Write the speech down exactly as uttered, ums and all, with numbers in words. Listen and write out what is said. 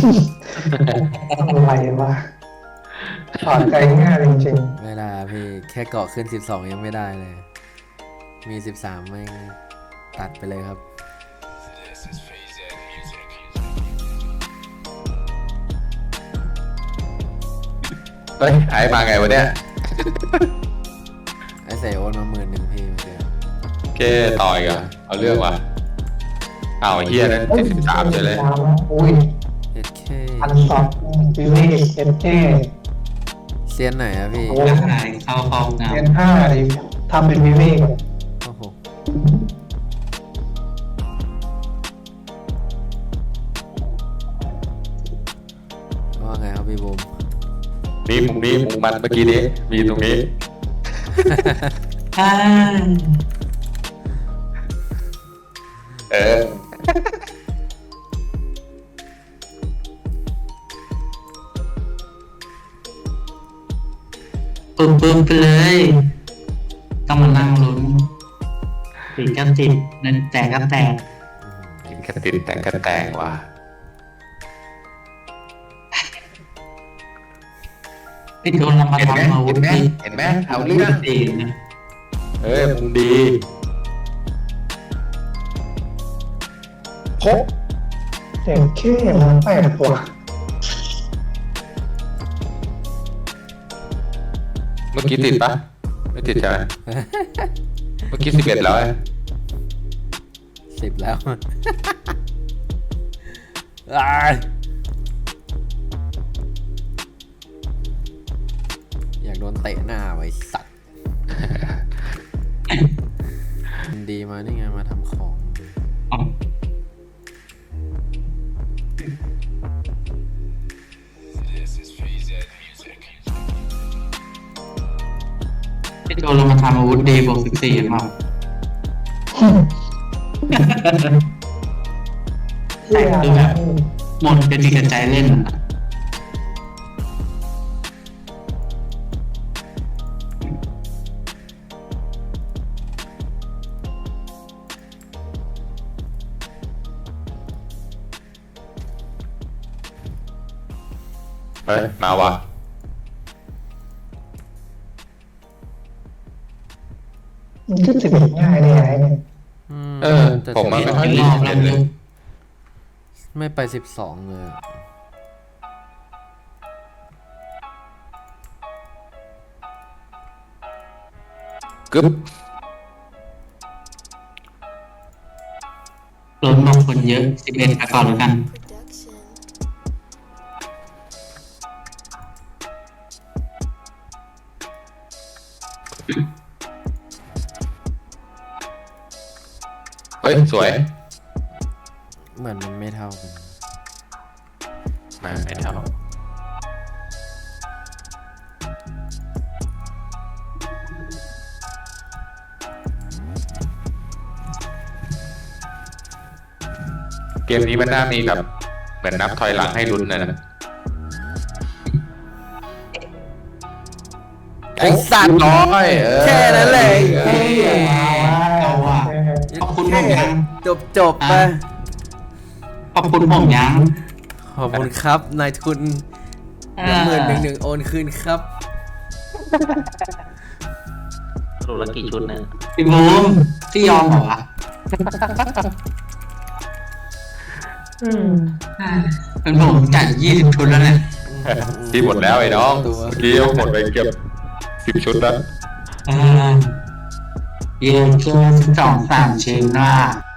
อะไรวะถอดใจง่ายจริงไม่ได้พี่แค่เกาะขึ้นสิบสองยังไม่ได้เลยมีสิบสามแม่งตัดไปเลยครับเฮ้ยไอ้มาไงวะเนี่ยไอ้ใส่โอนมาหมื่นหนึ่งพี่เมื่อกี้โอเคต่อยกันเอาเรื่องว่ะอ้าวไอ้เฮียนั่นๆที่สิบสามใช่เลยสามแล้วอุ้ยเอ็ดเคพันสองวิเวกเอฟเอเซียนไหนอะพี่โอ้ร่างกายเข้าห้องน้เรียนห้าดิทำเป็นวิเวกโอ้โหว่าไงครับพี่บูมนี่มุมนี้มุมมันเมื่อกี้นี้มีตรงนี้ำอ่าเออปึ้มปึ้มไปเลยต้องมานั่งลุ้นติดก็ติดนั่นแตกก็แตกกินกระติดแต่งกระแตงว่ะไอ้โดนเรามาเห็นไหมทำอาวุเห็ธนไหมดีเห็นไหมเอาเรื่องดีนะเออมุมดีโคเด็กแค่มันแปดตัวเมื่อกี้ติดปะไม่ติดใช่ไหมเมื่อกี้สิบเอ็ดแล้วไอ้สิบแล้ว อ้ายอยากโดนเตะหน้าไว้สัตว์ ดีมานี่ไงมาทำของอ๋อไอ้โดนเรามาทำอาวุธดีบวกสิบสี่มาคือแบบหมดเป็นดีกับใจเล่นอะเฮ้ยมาว่ะมันขึ้นสิบเอ็ดง่ายได้ไงเนี่ยมเออแต่ผมมันไม่ค่อยรมีอบสิบแล้เอ็วดเลยไม่ไปสิบสองเลยอะกึ๊บรถบางคนเยอะสิบเอ็ดไปก่อนแล้วกันเฮ้ยสวยเหมือนมันไม่เท่ากันมาไม่เท่าเกมนี้มันน่ามีแบบเหมือนนับถอยหลังให้ลุ้นนะนะไอ้สัตว์น้อยเออแค่นั้นแหละเฮ้ยเอาวะเอาว่ะ ขอบคุณผมยังจบจบไปขอบคุณผมยังขอบคุณครับนายทุนเดี๋ยวหมื่นหนึ่งหนึ่งโอนคืนครับสรุปแล้วกี่ชุดเนี่ยพี่บูมที่ยอมเหรอวะอืมเป็นผมจ่ายยี่สิบชุดแล้วเนี่ยที่หมดแล้วไอ้น้องตัวเมื่อกี้หมดไปเกือบสิบชุดแล้วอ่าเย็นเกินสองสามชิ้นว่า